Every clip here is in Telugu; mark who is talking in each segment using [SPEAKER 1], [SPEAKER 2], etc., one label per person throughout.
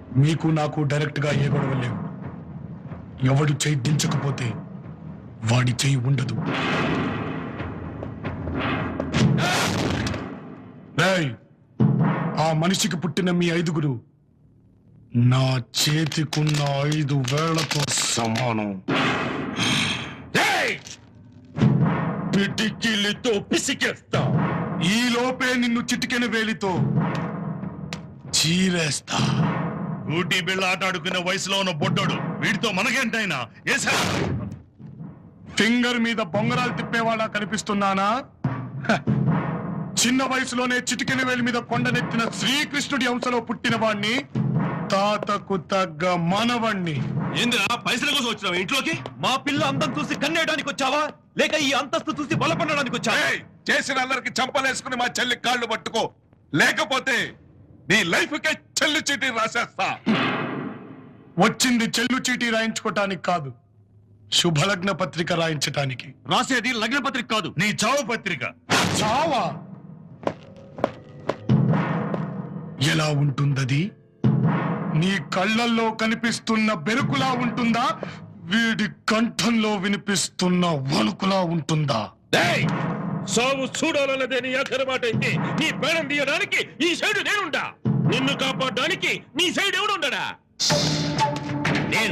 [SPEAKER 1] మీకు నాకు డైరెక్ట్ గా ఏ గొడవ లేవు. ఎవడు చెయ్యి దించకపోతే వాడి చెయ్యి ఉండదు. ఆ మనిషికి పుట్టిన మీ 5గురు నా చేతికున్న 5 వేళ్లతో సమానం.
[SPEAKER 2] పిటికిలితో పిసికేస్తా.
[SPEAKER 1] ఈ లోపే నిన్ను చిటికెన వేలితో చీరేస్తా.
[SPEAKER 2] ఊటీ బిళ్ళ ఆట ఆడుకునే వయసులో ఉన్న బొడ్డోడు వీడితో మనకేంటైనా
[SPEAKER 1] ఫింగర్ మీద బొంగరాలు తిప్పేవాళ్ళ కనిపిస్తున్నానా? చిన్న వయసులోనే చిటికెన వేలి మీద కొండనెత్తిన శ్రీకృష్ణుడి అంశలో పుట్టిన వాణ్ణి, తాతకు తగ్గ మనవణ్ణి.
[SPEAKER 2] ఏందిరా పైసల కోసం వచ్చినావా ఇంట్లోకి?
[SPEAKER 3] మా పిల్ల అందం చూసి కన్నేయడానికి వచ్చావా, లేక ఈ అంతస్తు చూసి బలపడడానికి వచ్చావా?
[SPEAKER 2] చేసిన అందరికి చంపలేసుకుని మా చెల్లి కాళ్ళు పట్టుకో, లేకపోతే నీ లైఫ్ కే చెల్లు చీటీ రాసేస్తా.
[SPEAKER 1] వచ్చింది చెల్లు చీటీ రాయించుకోటానికి కాదు, శుభలగ్న పత్రిక రాయించటానికి.
[SPEAKER 3] రాసేది లగ్న పత్రిక కాదు,
[SPEAKER 2] నీ చావు పత్రిక.
[SPEAKER 1] చావా? ఎలా ఉంటుందది? నీ కళ్ళల్లో కనిపిస్తున్న బెరుకులా ఉంటుందా, వీడి కంఠంలో వినిపిస్తున్న వణుకులా ఉంటుందా?
[SPEAKER 2] సావు చూడాలన్నదే నీ ఆఖరి మాట అయితే నీ ప్రాణం తీయడానికి ఈ సైడ్ నేనుండా. నిన్ను కాపాడడానికి నీ సైడ్ ఎవడుండడా? నేను.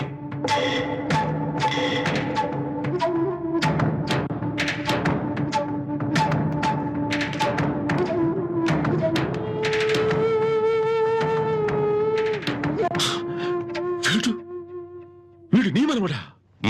[SPEAKER 2] వీడు నీ మనవడా?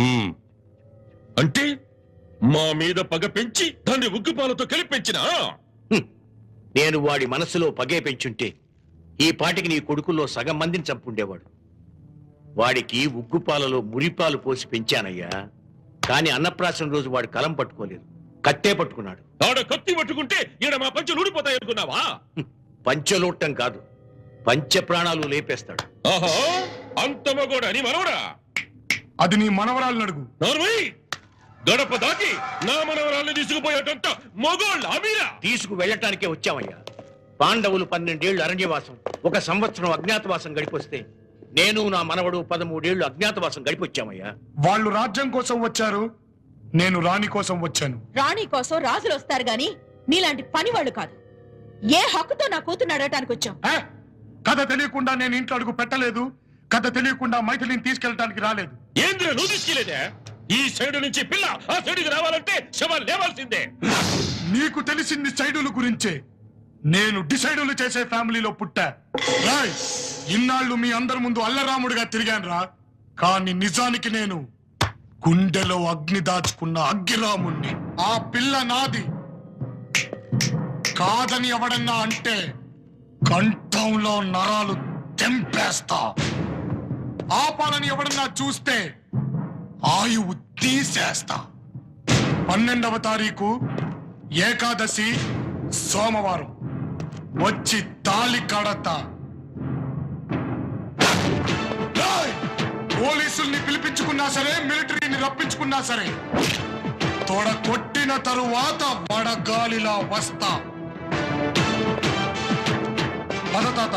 [SPEAKER 2] అంటే మా మీద పగ పెంచి దాన్ని ఉగ్గుపాలతో కలిపించినా?
[SPEAKER 4] నేను వాడి మనసులో పగే పెంచుంటే ఈ పాటికి నీ కొడుకుల్లో సగం మందిని చంపుండేవాడు. వాడికి ఉగ్గుపాలలో మురిపాలు పోసి పెంచానయ్యా. కాని అన్నప్రాసన రోజు వాడు కలం పట్టుకోలేదు, కత్తే పట్టుకున్నాడు.
[SPEAKER 2] ఆడ కత్తి పట్టుకుంటే ఈడ మా పంచులు ఊడిపోతాయి అనుకున్నావా?
[SPEAKER 4] పంచలోట్టం కాదు, పంచ ప్రాణాలు లేపేస్తాడు.
[SPEAKER 2] ఆహా, అంత మగోడా నీ మనవడా?
[SPEAKER 1] అది నీ మనవరాలను అడుగు.
[SPEAKER 2] గడప దాటి నా మనవరాల్ని తీసుకుపోయేటంత మొగోళ్ళ అమీరా?
[SPEAKER 4] తీసుకు వెళ్ళటానికే వచ్చామయ్యా. పాండవులు 12 ఏళ్లు అరణ్యవాసం, 1 సంవత్సరం అజ్ఞాతవాసం గడిపొస్తే నేను నా మనవడు 13 ఏళ్లు అజ్ఞాతవాసం గడిపొచ్చామయ్యా.
[SPEAKER 1] వాళ్ళు రాజ్యం కోసం వచ్చారు, నేను రాణి కోసం వచ్చాను.
[SPEAKER 5] రాణి కోసం రాజులు వస్తారు గాని నీలాంటి పని వాళ్ళు కాదు. ఏ హక్కుతో నా కూతురు అడగటానికి వచ్చావు?
[SPEAKER 1] కథ తెలియకుండా నేను ఇంట్లో అడుగు పెట్టలేదు, కథ తెలియకుండా మైథిలిని తీసుకెళ్ళటానికి రాలేదు.
[SPEAKER 2] ఏంద్ర నువ్వు తీసుకెళ్లేదే? ఈ సైడు నుంచి పిల్ల ఆ సైడుకి రావాలంటే శవాలు లేవాల్సిందే.
[SPEAKER 1] నీకు తెలిసింది సైడుల గురించే. నేను డిసైడులు చేసే ఫ్యామిలీలో పుట్టా. ఇన్నాళ్ళు మీ అందరి ముందు అల్లరాముడిగా తిరిగాను రా, కానీ నిజానికి నేను గుండెలో అగ్ని దాచుకున్న అగ్గిరాముణ్ణి. ఆ పిల్ల నాది కాదని ఎవడన్నా అంటే కంఠంలో నరాలు తెంపేస్తా. ఆపాలని ఎవడన్నా చూస్తే ఆయువు తీసేస్తా. 12వ తారీఖు ఏకాదశి సోమవారం వచ్చి తాళి కడతా. పోలీసుల్ని పిలిపించుకున్నా సరే, మిలిటరీని రప్పించుకున్నా సరే, తొడ కొట్టిన తరువాత వడగాలిలా వస్తా. తాత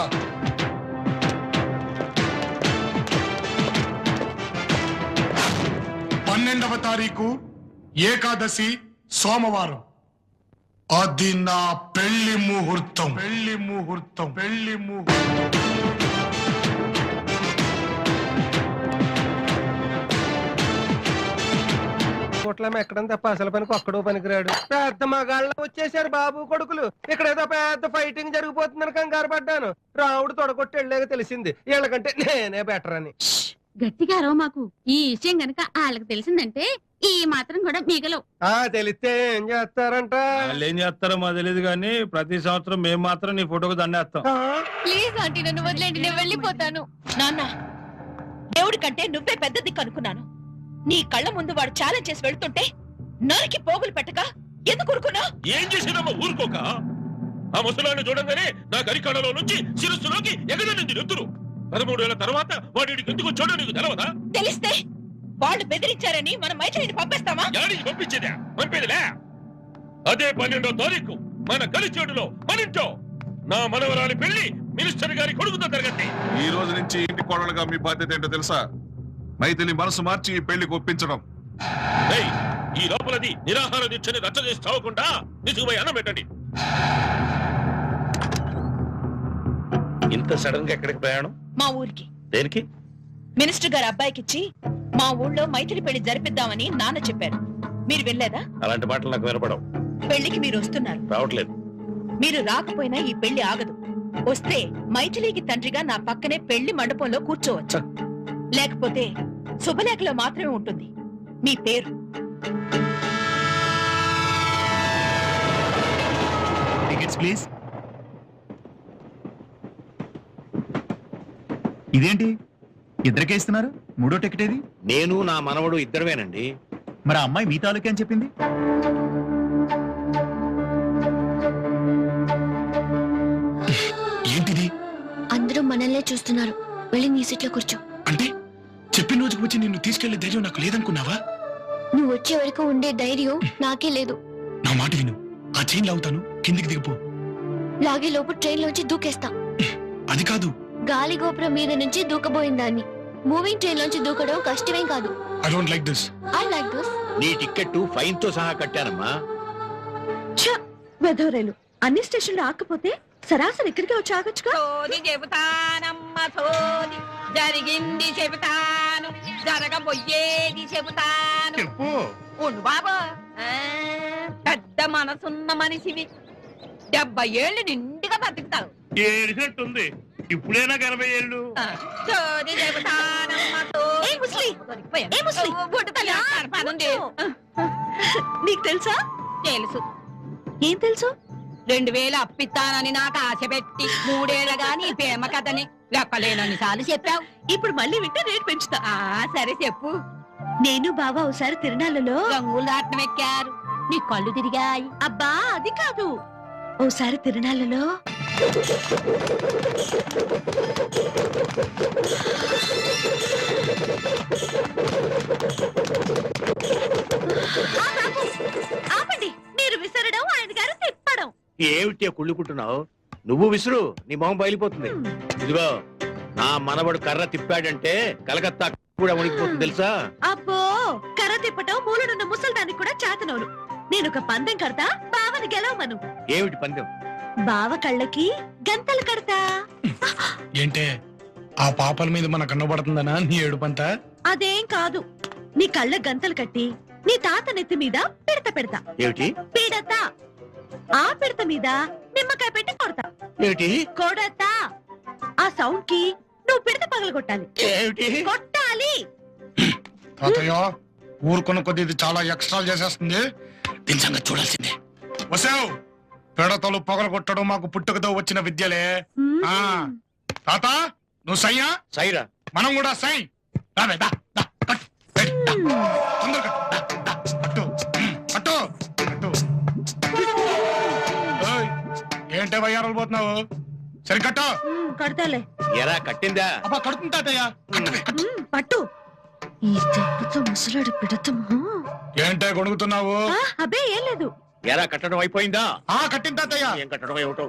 [SPEAKER 1] 12వ తారీఖు ఏకాదశి సోమవారం, అది నా పెళ్లి ముహూర్తం. పెళ్లి ముహూర్తం, పెళ్లి ముహూర్తం.
[SPEAKER 6] కోట్ల ఎక్కడం తప్ప అసలు పనికి ఒక్కడో పనికిరాడు. పెద్ద మగాళ్ళ వచ్చేసారు బాబు కొడుకులు. ఇక్కడ ఏదో పెద్ద ఫైటింగ్ జరిగిపోతుందని కంగారు పడ్డాను. రావుడు తొడగొట్టి వెళ్ళాక తెలిసింది వీళ్ళకంటే నేనే బెటర్ అని.
[SPEAKER 7] గట్టిగా రో మాకు. ఈ విషయం గనక వాళ్ళకి తెలిసిందంటే ఈ మాత్రం కూడా మిగలవు.
[SPEAKER 6] తెలిస్తే ఏం చేస్తారంట?
[SPEAKER 3] వాళ్ళు ఏం చేస్తారో మాకు తెలియదు కానీ ప్రతి సంవత్సరం మేము మాత్రం నీ ఫోటోకు దండేస్తాం.
[SPEAKER 7] ప్లీజ్ ఆంటీ నన్ను వదిలేండి, నేను వెళ్ళిపోతాను.
[SPEAKER 5] నాన్న, దేవుడి కంటే నువ్వే పెద్ద దిక్కు అనుకున్నాను. నీ కళ్ళ ముందు వాడు ఛాలెంజ్ చేసి వెళ్తుంటే నరికి పోగులు పెట్టక ఎందుకు ఊరుకున్నా?
[SPEAKER 2] ఏం చేసినామో ఊరుకోక. ఆ ముసలాన్ని చూడంగానే నా గరికాడలో నుంచి శిరస్సులోకి ఎగదనింది నెత్తురు. 13 ఏళ్ల తర్వాత వాడి ఎందుకు వచ్చాడో నీకు తెలవదా?
[SPEAKER 5] తెలిస్తే వాళ్ళు బెదిరించారని మనం మైత్రిని పంపిస్తామా?
[SPEAKER 2] యాడికి పంపించేదా? పంపేదిలే. అదే 12వ తారీఖు మన కలిచేడులో మనింటో నా మనవరాలి పెళ్లి మినిస్టర్ గారి కొడుకుతో జరగద్ది.
[SPEAKER 8] ఈ రోజు నుంచి ఇంటి కోడలుగా మీ బాధ్యత ఏంటో తెలుసా? మైథిలి మనసు మార్చి ఈ పెళ్లికి ఒప్పించడం.
[SPEAKER 2] ఏయ్, ఈ లోపలది నిరాహార దీక్షని రచ్చ చేసి చావకుండా తీసుకుపోయి అన్నం పెట్టండి.
[SPEAKER 4] ఇంత సడన్ గా ఎక్కడికి ప్రయాణం?
[SPEAKER 5] మా ఊరికి
[SPEAKER 4] దేనికి?
[SPEAKER 5] మినిస్టర్ గారు అబ్బాయికిచ్చి మా ఊళ్ళో మైథిలి పెళ్లి జరిపిద్దామని నాన్న చెప్పారు. మీరు వెళ్ళలేదా?
[SPEAKER 4] అలాంటి మాటలు నాకు వినపడవు.
[SPEAKER 5] పెళ్లికి మీరు వస్తున్నారు.
[SPEAKER 4] రావట్లేదు.
[SPEAKER 5] మీరు రాకపోయినా ఈ పెళ్లి ఆగదు. వస్తే మైథిలికి తండ్రిగా నా పక్కనే పెళ్లి మండపంలో కూర్చోవచ్చు. లేకపోతే శుభలేఖలో మాత్రమే ఉంటుంది మీ పేరు.
[SPEAKER 3] Tickets please. ఇదేంటి ఇద్దరికే ఇస్తున్నారు? మూడో టికెట్ ఏది?
[SPEAKER 4] నేను నా మనవడు ఇద్దరమేనండి.
[SPEAKER 3] మరి ఆ అమ్మాయి మీ తాలూకే అని చెప్పింది.
[SPEAKER 1] ఏంటిది?
[SPEAKER 9] అందరూ మనల్నే చూస్తున్నారు. వెళ్ళి నీ సీట్లో కూర్చో.
[SPEAKER 1] అంటే చెప్పిన రోజుకు వచ్చి నిన్ను తీసుకెళ్లే ధైర్యం నాకు లేదనుకున్నావా?
[SPEAKER 9] నువ్వు వచ్చే వరకు ఉండే ధైర్యం నాకే లేదు.
[SPEAKER 1] నా మాట విను. ఆ చైన్ లాగుతాను, కిందికి దిగిపో.
[SPEAKER 9] లాగే లోపు ట్రైన్ లోంచి దూకేస్తా.
[SPEAKER 1] అది కాదు,
[SPEAKER 9] గాలి గోపురం మీద నుంచి దూకబోయిన దాన్ని. మూవింగ్ ట్రైన్ లోంచి దూకడం కష్టమేం కాదు.
[SPEAKER 1] I don't like this.
[SPEAKER 9] I like this.
[SPEAKER 4] నీ టికెట్ ఫైన్ తో సహా కట్టానమ్మా.
[SPEAKER 5] వెధవరేలు అన్ని స్టేషన్లు ఆకపోతే సరాసరి ఇక్కడికి వచ్చి ఆగొచ్చుగా.
[SPEAKER 10] సోది చెబుతానమ్మ సోది, జరిగింది చెబుతాను, జరగబోయేది చెబుతాను. ఉండు బాబు, పెద్ద మనసున్న మనిషివి. 70 ఏళ్ళు నిండుగా బతుకుతావు.
[SPEAKER 2] ఏడినట్టుంది. ఇప్పుడైనా 80 ఏళ్ళు.
[SPEAKER 10] సోది చెబుతానమ్మ
[SPEAKER 5] నీకు తెలుసా?
[SPEAKER 10] తెలుసు.
[SPEAKER 5] ఏం తెలుసు?
[SPEAKER 10] 2000 అప్పిస్తానని నాకు ఆశ పెట్టి 3 ఏళ్ళగా నీ ప్రేమ కథని లెక్కలేనన్ని సార్లు చెప్పావు.
[SPEAKER 5] ఇప్పుడు మళ్ళీ వింటే రేటు పెంచుతా.
[SPEAKER 10] సరే చెప్పు.
[SPEAKER 5] నేను బావా ఒకసారి తిరణాలలో
[SPEAKER 10] రంగులు దాటం ఎక్కారు, నీ కళ్ళు తిరిగాయి.
[SPEAKER 5] అబ్బా అది కాదు, ఓసారి తిరణాలలో ఆపండి. మీరు విసరడం, ఆయన గారు తిప్పడం.
[SPEAKER 4] ఏమిటి కుళ్ళుకుంటున్నావు? నువ్వు విసురు, నీ మొహం బయలిపోతుంది. ఇదిగో, నా మనవడు కర్ర తిప్పాడంటే కలకత్తా కూడా వణికిపోతుంది తెలుసా?
[SPEAKER 5] అబ్బో, కర్ర తిప్పటం మూలనున్న ముసల్దానికి కూడా చేతనవును. నేను ఒక పందెం కడతా, బావని గెలవమను.
[SPEAKER 4] ఏమిటి పందెం?
[SPEAKER 5] బావ కళ్ళకి గంతలు కడతా.
[SPEAKER 1] ఏంటే ఆ పాపల మీద మన కన్నబడుతుందనా నీ ఏడుపంతా?
[SPEAKER 5] అదేం కాదు, నీ కళ్ళ గంతలు కట్టి నీ తాత నెత్తి మీద పిడత పెడతా.
[SPEAKER 4] ఏమిటి
[SPEAKER 5] పిడత? ఆ పిడత మీద నిమ్మకాయ పెట్టి కొడతా.
[SPEAKER 4] ఏమిటి
[SPEAKER 5] కొడతా. ఆ సౌండ్ కి నువ్వు పిడత పగలగొట్టాలి.
[SPEAKER 4] ఏమిటి
[SPEAKER 5] కొట్టాలి.
[SPEAKER 1] తాతయ్య, ఊరుకున్న కొద్ది ఇది చాలా ఎక్స్ట్రా చేసేస్తుంది. దీని సంగతి చూడాల్సిందే. వసావు, పిడతలు పగలగొట్టడం మాకు పుట్టుకతో వచ్చిన విద్యలే. ఆ తాత, నువ్వు సయ్యా?
[SPEAKER 4] సైరా.
[SPEAKER 1] మనం కూడా సై. రావే, దా, దా, కట్టు, ఏయ్, దా, తొందరగా కట్టు, దా, దా, కట్టు, కట్టు, కట్టు. ఏయ్, ఏంటే వయ్యారాలు పోతున్నావు? సరి కట్టు.
[SPEAKER 5] కడతాలే.
[SPEAKER 4] ఎరా కట్టిందా?
[SPEAKER 1] అబ్బా కడుతుంది తాతయ్య. కట్టవే, కట్టు.
[SPEAKER 5] పట్టు. ఈ దెబ్బతో ముసలాడి పిడతము.
[SPEAKER 1] ఏంటే గొడుగుతున్నావు?
[SPEAKER 5] అబ్బే ఏం లేదు.
[SPEAKER 4] ఎరా కట్టడం అయిపోయిందా?
[SPEAKER 1] కట్టింది తాతయ్య.
[SPEAKER 4] ఏం కట్టడం ఏమిటో.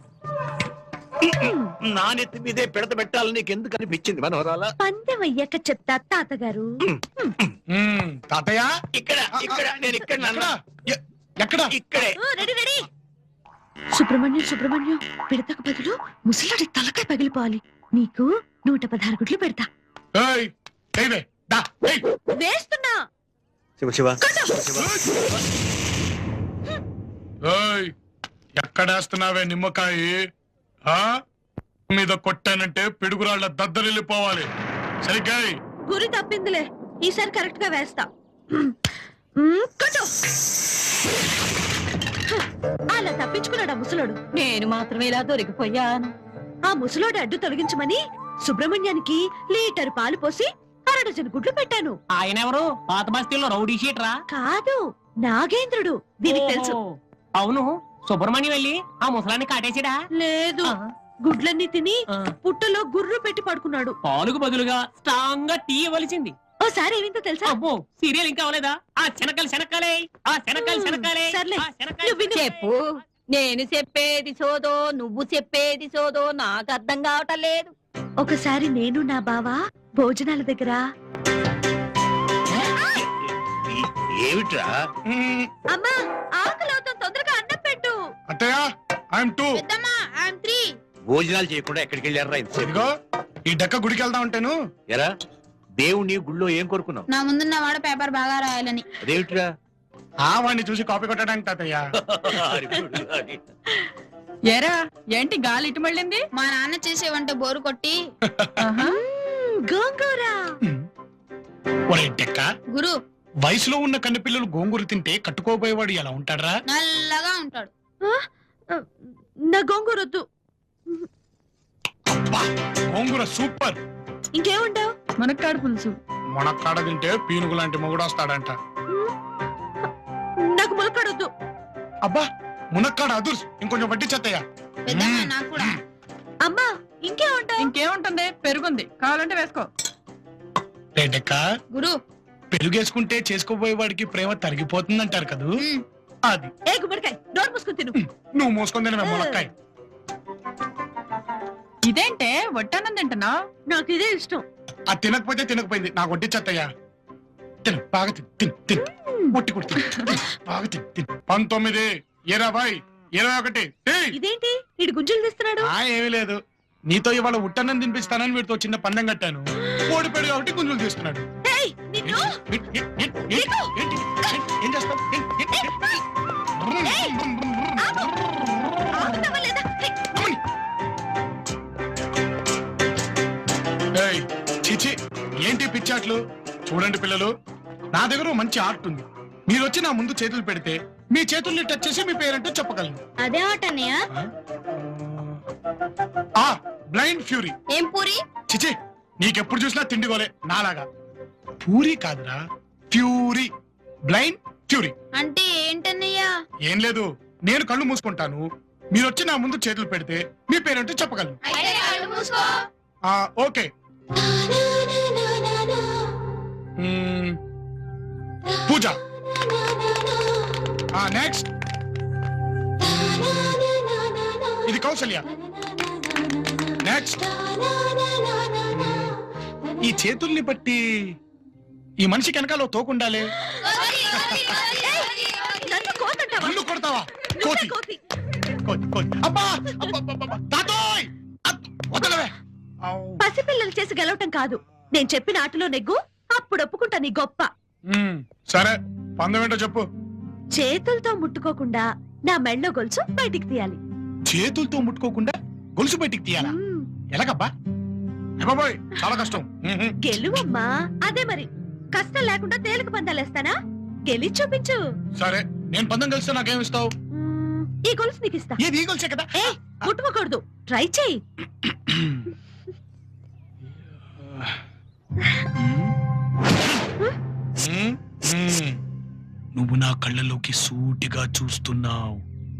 [SPEAKER 4] నా నెత్తి మీదే పిడత పెట్టాలని నీకు ఎందుకు అనిపించింది మనోహరాల?
[SPEAKER 5] పందెం అయ్యాక చెప్తా తాతగారు.
[SPEAKER 1] తాతయ్య,
[SPEAKER 4] ఇక్కడ ఇక్కడ నేను ఇక్కడ నాన్న.
[SPEAKER 1] ఎక్కడ?
[SPEAKER 4] ఇక్కడే.
[SPEAKER 5] Ready ready. సుబ్రహ్మణ్యం సుబ్రహ్మణ్యం, పిడతకు బదులు ముసలాడి తలకాయ పగిలిపోవాలి. నీకు 116 గుడ్లు పెడతా.
[SPEAKER 1] ఏయ్, ఏయ్, దా, ఏయ్.
[SPEAKER 5] వేస్తున్నా.
[SPEAKER 4] శివ శివ.
[SPEAKER 1] ఏయ్, ఎక్కడేస్తున్నావే నిమ్మకాయ? మీద కొట్టానంటే పిడుగురాళ్ల దద్దరిల్లిపోవాలి. సరిగ్గా
[SPEAKER 5] గురి తప్పిందిలే, ఈసారి కరెక్ట్ గా వేస్తా. కొట్టు. అలా తప్పించుకున్నాడు ఆ ముసలోడు.
[SPEAKER 10] నేను మాత్రమే ఇలా దొరికిపోయాను.
[SPEAKER 5] ఆ ముసలోడు అడ్డు తొలగించమని సుబ్రహ్మణ్యానికి లీటర్ పాలు పోసి 1 డజన్ గుడ్లు పెట్టాను.
[SPEAKER 11] ఆయన ఎవరు? పాత బస్తీల్లో రౌడీ షీటరా?
[SPEAKER 5] కాదు, నాగేంద్రుడు. దీనికి తెలుసు.
[SPEAKER 11] అవును, సుబ్రహ్మణ్యం వెళ్ళి ఆ ముసలాన్ని కాటేసాడా?
[SPEAKER 5] లేదు, గుడ్లన్నీ తిని పుట్టలో గుర్రు పెట్టి పడుకున్నాడు.
[SPEAKER 11] పాలుకు బదులుగా స్ట్రాంగ్ గా టీ ఇవ్వవలసింది.
[SPEAKER 5] ఓసారి ఏమిందో తెలుసా?
[SPEAKER 11] అబ్బో, సీరియల్ ఇంకా అవలేదా? ఆ శనకాలు శనకాలే, ఆ శనకాలు శనకాలే.
[SPEAKER 5] సర్లే,
[SPEAKER 11] ఆ శనకాలు
[SPEAKER 5] నువ్వు
[SPEAKER 10] చెప్పు. నేను చెప్పేది సోదో, నువ్వు చెప్పేది సోదో నాకు అర్థం కావటం లేదు.
[SPEAKER 9] ఒకసారి నేను నా బావ భోజనాల దగ్గర
[SPEAKER 4] ఏమిట్రా?
[SPEAKER 9] అమ్మా ఆకలి అవుతాం, తొందరగా అన్నం పెట్టు.
[SPEAKER 1] అత్తయ్య ఐఎమ్ 2.
[SPEAKER 9] పెద్దమ్మా ఐఎమ్ 3.
[SPEAKER 4] భోజనాలు చేయకుండా ఎక్కడికి వెళ్ళారా ఇంతసేపు?
[SPEAKER 1] ఇదిగో ఈ డక్క గుడికి వెళ్తా ఉంటాను.
[SPEAKER 4] ఎరా దేవుణ్ణి గుళ్ళో ఏం కోరుకున్నావు?
[SPEAKER 9] నా ముందున్న వాడు పేపర్ బాగా రాయాలని.
[SPEAKER 4] అదేమిట్రా?
[SPEAKER 1] వాడిని చూసి కాపీ కొట్టడానికి తాతయ్య.
[SPEAKER 10] ఏరా ఏంటి గాలి ఇటు మళ్ళింది?
[SPEAKER 9] మా నాన్న చేసే వంట బోరు కొట్టి గోంగూర.
[SPEAKER 1] ఒరే డెక్క,
[SPEAKER 9] గురు
[SPEAKER 1] వయసులో ఉన్న కన్నెపిల్లలు గోంగూర తింటే కట్టుకోబోయేవాడు ఎలా ఉంటాడ్రా?
[SPEAKER 9] నల్లగా ఉంటాడు. నా గోంగూర వద్దు.
[SPEAKER 1] అబ్బా, గోంగూర సూపర్.
[SPEAKER 9] ఇంకేముంటావు?
[SPEAKER 10] మునక్కాడ పులుసు.
[SPEAKER 1] మునక్కాడ తింటే పీనుగు లాంటి మొగుడు వస్తాడంట.
[SPEAKER 9] నాకు ములక్కాడొద్దు.
[SPEAKER 1] అబ్బా, మునక్కాడ అదుర్స్. ఇంకొంచెం వడ్డించత్తయ్య.
[SPEAKER 9] నాకు కూడా. అమ్మా ఇంకేముంటావు?
[SPEAKER 10] ఇంకేముంటుంది, పెరుగుంది, కావాలంటే వేసుకో.
[SPEAKER 1] రే డెక్క,
[SPEAKER 9] గురు
[SPEAKER 1] పెరుగేసుకుంటే చేసుకోబోయేవాడికి ప్రేమ తరిగిపోతుందంటారు కదూ. అది
[SPEAKER 9] ఏ గుమ్మడికాయ నోరు మూసుకుని తిను.
[SPEAKER 1] నువ్వు మోసుకొని తినవే మునక్కాయ.
[SPEAKER 10] ఇదేంటే వడ్డానం తింటున్నా?
[SPEAKER 9] నాకు ఇదే ఇష్టం.
[SPEAKER 1] అది తినకపోతే తినకపోయింది, నాకు వడ్డించత్తయ్యా. తిను, బాగా తిను, తిను, తిను. ఒట్టి కొట్టి తిను, తిను, బాగా తిను, తిను. 19, 20, 21.
[SPEAKER 9] ఇదేంటి ఇడు గుంజులు తీస్తున్నాడు?
[SPEAKER 1] ఏమీ లేదు, నీతో ఇవాళ ఉట్టన్నం తినిపిస్తానని వీడితో చిన్న పందెం కట్టాను. ఓడిపోయాడు కాబట్టి గుంజులు తీస్తున్నాడు.
[SPEAKER 9] ఏయ్, నిన్ను
[SPEAKER 1] ఏం చేస్తావు?
[SPEAKER 9] ఆపుతావా లేదా?
[SPEAKER 1] ఏయ్, చీచి, ఏంటి పిచ్చాట్లు? చూడండి పిల్లలు, నా దగ్గర ఓ మంచి ఆర్ట్ ఉంది. మీరు వచ్చి నా ముందు చేతులు పెడితే మీ చేతుల్ని టచ్ చేసి మీ పేరేంటో చెప్పగలను.
[SPEAKER 9] అదే ఆట అన్నయ్య.
[SPEAKER 1] Blind fury.
[SPEAKER 9] ఏం పూరి?
[SPEAKER 1] చిచి, నీకెప్పుడు చూసినా తిండిగోలే నాలాగా. పూరి కాదురా, ఫ్యూరీ. బ్లైండ్ ఫ్యూరీ
[SPEAKER 9] అంటే ఏంటన్నయ్యా?
[SPEAKER 1] ఏం లేదు, నేను కళ్ళు మూసుకుంటాను, మీరు వచ్చి నా ముందు చేతులు పెడితే మీ పేరేంటో చెప్పగలను. ఓకే. పూజ. నెక్స్ట్ ఇది కౌసల్య. నెక్స్ట్ ఈ చేతుల్ని బట్టి ఈ మనిషి వెనకాల తోకుండాలే.
[SPEAKER 9] నన్ను కోతంటావా?
[SPEAKER 1] నన్ను కొడతావా? కోతి.
[SPEAKER 9] కోతి.
[SPEAKER 1] కోతి, కోతి. అబ్బా, అబ్బబ్బబ్బబ్బ. తాతోయ్! వదలవే.
[SPEAKER 9] పసిపిల్లలు చేసి గెలవటం కాదు, నేను చెప్పిన ఆటలో నెగ్గు, అప్పుడు ఒప్పుకుంటా నీ గొప్ప.
[SPEAKER 1] సరే, పందెం ఏంటో చెప్పు.
[SPEAKER 9] చేతులతో ముట్టుకోకుండా నా మెళ్ళో గొలుసు బయటికి తీయాలి.
[SPEAKER 1] చేతులతో ముట్టుకోకుండా గొలుసు బయటికి తీయాలా? ఎలాగబ్బా? బాబోయ్, చాలా కష్టం.
[SPEAKER 9] గెలువమ్మా. అదే మరి, కష్టం లేకుండా తేలిక పందాలేస్తానా? గెలిచి చూపించు.
[SPEAKER 1] సరే, నేను పందెం కలిస్తే నాకేమిస్తావు?
[SPEAKER 9] ఈ గొలుసు నీకు ఇస్తా.
[SPEAKER 1] ఏది ఈ గొలుసే కదా?
[SPEAKER 9] ఏ ముట్టుకోకూడదు, ట్రై చెయ్యి.
[SPEAKER 1] నువ్వు నా కళ్ళలోకి సూటిగా చూస్తున్నావు.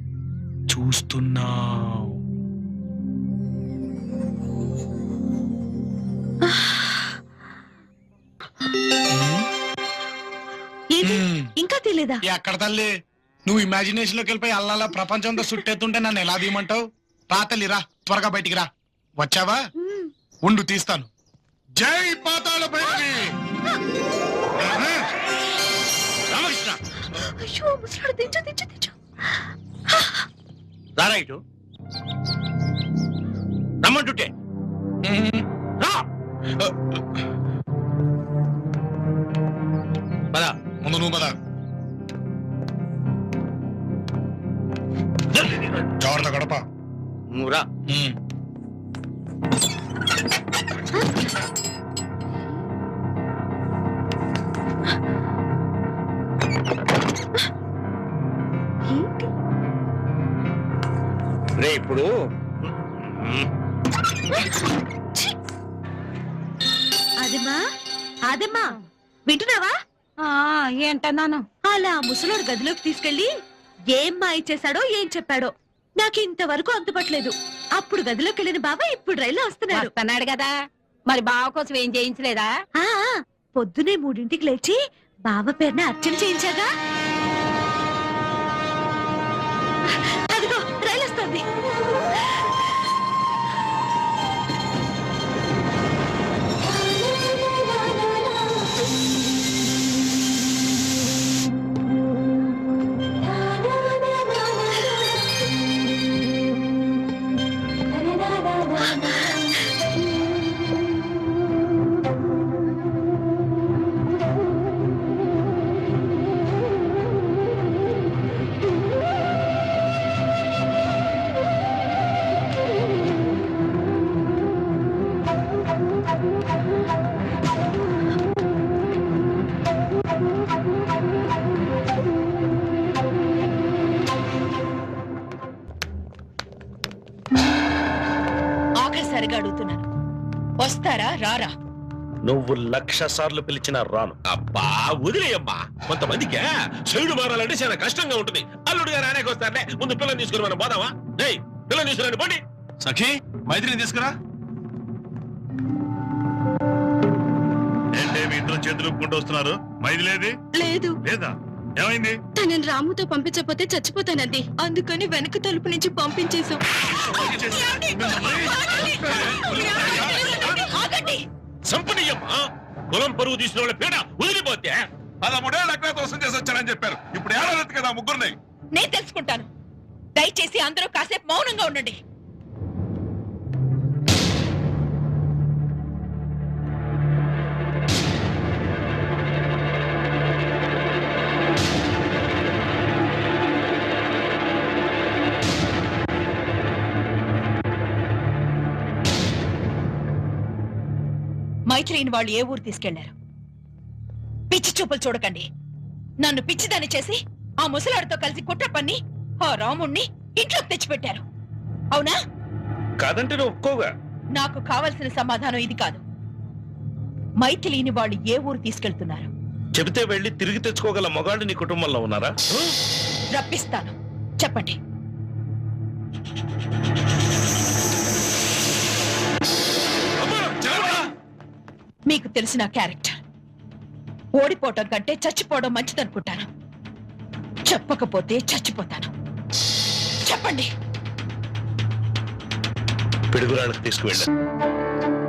[SPEAKER 9] ఇంకా తెలియదా?
[SPEAKER 1] ఎక్కడ తల్లి, నువ్వు ఇమాజినేషన్ లోకి వెళ్ళిపోయి అల్లాలా ప్రపంచంతో చుట్టేస్తుంటే నన్ను ఎలా తీయమంటావు? రా తల్లి, రా, త్వరగా బయటికి రా. వచ్చావా? ఉండు, తీస్తాను. జై పాతాళ భైరవి.
[SPEAKER 4] రామకృష్ణ,
[SPEAKER 9] అయ్యో ముసలాడు, దించు దించు దించు.
[SPEAKER 4] రారా ఇటు. రమ్మంటుంటే రా. పద,
[SPEAKER 1] ముందు నువ్వు పద. జాగ్రత్త గడప.
[SPEAKER 4] నువ్వు రా. రే ఇప్పుడు
[SPEAKER 9] అదేమ్మా, అదేమ్మా, వింటున్నావా?
[SPEAKER 10] ఏంటన్నాను?
[SPEAKER 9] అలా ముసలోడు గదిలోకి తీసుకెళ్లి ఏం మాయ చేశాడో ఏం చెప్పాడో నాకు ఇంతవరకు అంతుపట్టలేదు. అప్పుడు గదిలోకి వెళ్ళిన బాబా ఇప్పుడు రైల్లో వస్తున్నాడు.
[SPEAKER 10] వస్తున్నాడు కదా, మరి బావ కోసం ఏం చేయించలేదా?
[SPEAKER 9] పొద్దునే 3ంటికి లేచి బావ పేరున అర్చన చేయించాగా. అదిగో రైలు వస్తుంది.
[SPEAKER 5] అడుగుతున్నాను. వస్తారా రారా?
[SPEAKER 2] నువ్వు 1,00,000 సార్లు పిలిచినా రాను.
[SPEAKER 3] అబ్బా వదిలేయమ్మా, కొంతమందికి చెడు మారాలంటే చాలా కష్టంగా ఉంటుంది. అల్లుడు గారు అనేక వస్తారులే, ముందు పిల్లని తీసుకుని మనం పోదామా? డేయ్ పిల్లని తీసుకురండి పోండి.
[SPEAKER 8] సఖి మైత్రిని తీసుకురా. ఏంటే మీ ఇద్దరు చేతులు ఊపుకుంటూ వస్తున్నారు? మైథిలేది
[SPEAKER 9] లేదు,
[SPEAKER 8] లేదా? ఏమైంది?
[SPEAKER 9] తనని రాముతో పంపించకపోతే చచ్చిపోతానండి. అందుకని వెనక తలుపు నుంచి పంపించేశాం.
[SPEAKER 5] ఆగండి!
[SPEAKER 3] సంపనీయమ్మా, కులం పరువు తీసిన వాళ్ళ పీడ వదిలిపోతే
[SPEAKER 8] 13 ఏళ్ళు అజ్ఞాతవాసం చేసి వచ్చానని చెప్పారు. ఇప్పుడు ఏడాది కదా ముగ్గురుని.
[SPEAKER 5] నేను తెలుసుకుంటాను. దయచేసి అందరూ కాసేపు మౌనంగా ఉండండి. మైత్రిని వాళ్ళు ఏ ఊరు తీసుకెళ్లారు? పిచ్చి చూపులు చూడకండి. నన్ను పిచ్చిదాన్ని చేసి ఆ ముసలాడితో కలిసి కుట్ర పన్ని ఆ రాముణ్ణి ఇంట్లోకి తెచ్చిపెట్టారు. అవునా?
[SPEAKER 2] కాదంటే నువ్వు ఒప్పుకోగా.
[SPEAKER 5] నాకు కావలసిన సమాధానం ఇది కాదు. మైథిలిని వాళ్ళు ఏ ఊరు తీసుకెళ్తున్నారు?
[SPEAKER 2] చెబితే వెళ్ళి తిరిగి తెచ్చుకోగల మగాళ్ళు నీ కుటుంబంలో ఉన్నారా?
[SPEAKER 5] రప్పిస్తాను, చెప్పండి. మీకు తెలిసిన క్యారెక్టర్. ఓడిపోవటం కంటే చచ్చిపోవడం మంచిదనుకుంటాను. చెప్పకపోతే చచ్చిపోతాను. చెప్పండి.
[SPEAKER 2] పిడుగురాళ్ళకి తీసుకువెళ్ళా.